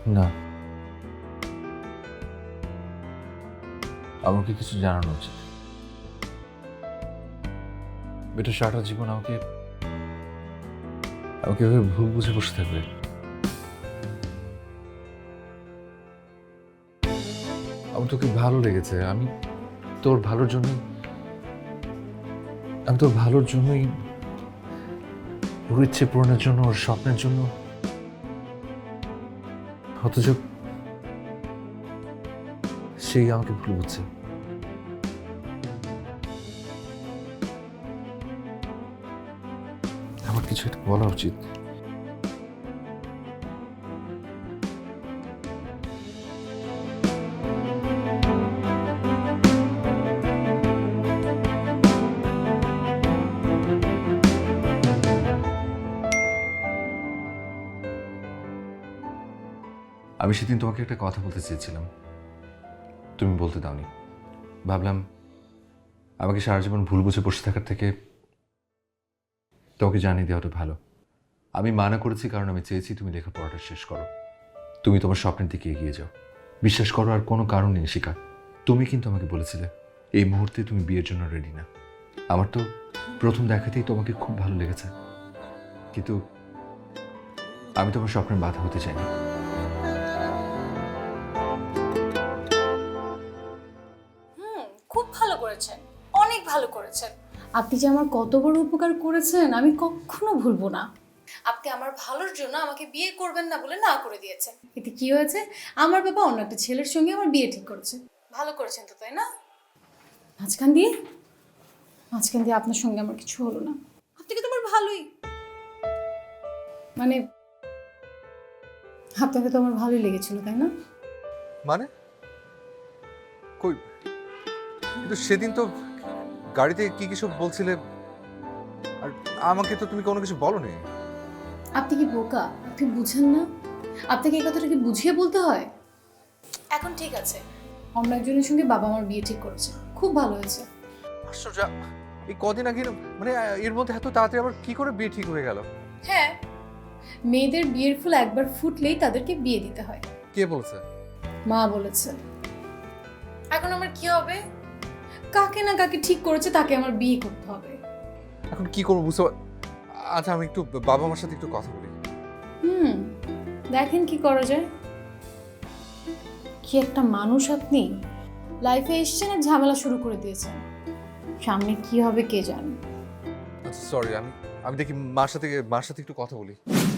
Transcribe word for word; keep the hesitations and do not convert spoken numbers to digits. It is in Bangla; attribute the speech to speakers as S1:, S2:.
S1: না, আমাকে কিছু জানানো উচিত। এটা সারাটা জীবন আমাকে আমাকে এভাবে ভুল বুঝে বসে থাকবে। আমার তোকে ভালো লেগেছে, আমি তোর ভালোর জন্যই আমি তোর ভালোর জন্যই ওর ইচ্ছে পূরণের জন্য, ওর স্বপ্নের জন্য, অথচ সেই আমাকে ভুল বুঝছে। আমার কিছু একটা বলা উচিত। আমি সেদিন তোমাকে একটা কথা বলতে চেয়েছিলাম, তুমি বলতে দাওনি। ভাবলাম আমাকে সারা জীবন ভুল বুঝে বসে থাকার থেকে তোমাকে জানিয়ে দেওয়াটা ভালো। আমি মানা করেছি কারণ আমি চেয়েছি তুমি লেখাপড়াটা শেষ করো, তুমি তোমার স্বপ্নের দিকে এগিয়ে যাও। বিশ্বাস করো, আর কোনো কারণ নেই শিখা। তুমি কিন্তু আমাকে বলেছিলে এই মুহূর্তে তুমি বিয়ের জন্য রেডি না। আমার তো প্রথম দেখাতেই তোমাকে খুব ভালো লেগেছে, কিন্তু আমি তোমার স্বপ্নের বাধা হতে চাইনি।
S2: খুব ভালো করেছেন, অনেক ভালো করেছেন। আপনি যে আমার কত বড় উপকার করেছেন আমি কখনো ভুলবো না। আপনি আমার ভালোর জন্য আমাকে বিয়ে করবেন না বলে না করে দিয়েছেন। এতে কি হয়েছে? আমার বাবা অন্য একটা ছেলের সঙ্গে আমার বিয়ে ঠিক করেছে। ভালো করেছেন তো, তাই না? মাঝখান দিয়ে মাঝখান দিয়ে আপনার সঙ্গে আমার কিছু হলো না। আপনাকে তো আমার ভালোই, মানে আপনাকে তো আমার ভালোই লেগেছিল, তাই না?
S3: মানে কই, কিন্তু সেদিন তো গাড়িতে কি কিছু বলছিলে, আর আমাকে তো তুমি কোনো কিছু বলোনি।
S2: আপনি কি বোকা? আপনি বুঝেন না? আপনাকে এই কথাটা কি বুঝিয়ে বলতে হয়? এখন ঠিক আছে, অন্য একজনের সঙ্গে বাবা আমার বিয়ে ঠিক করেছে, খুব ভালো হয়েছে।
S3: আশ্চর্য, এই কদিন আগে মানে এর মধ্যে এত তাড়াতাড়ি আবার কি করে বিয়ে ঠিক হয়ে গেল?
S2: হ্যাঁ, মেয়েদের বিয়ের ফুল একবার ফুটলেই তাদেরকে বিয়ে দিতে হয়।
S3: কে বলছে?
S2: মা বলেছে। এখন আমার কি হবে? কাকে না কাকে ঠিক করেছে, তাকে আমার বিয়ে করতে হবে।
S3: এখন কি করবো বুঝতে পার- আচ্ছা, আমি একটু বাবা মার সাথে একটু কথা বলি।
S2: হুম, দেখেন কি করা যায়। কি একটা মানুষ আপনি! লাইফে এসেছেন আর ঝামেলা শুরু করে দিয়েছেন। সামনে কি হবে কে জানে।
S3: আচ্ছা সরি, আমি আমি দেখি মার সাথে মার সাথে একটু কথা বলি।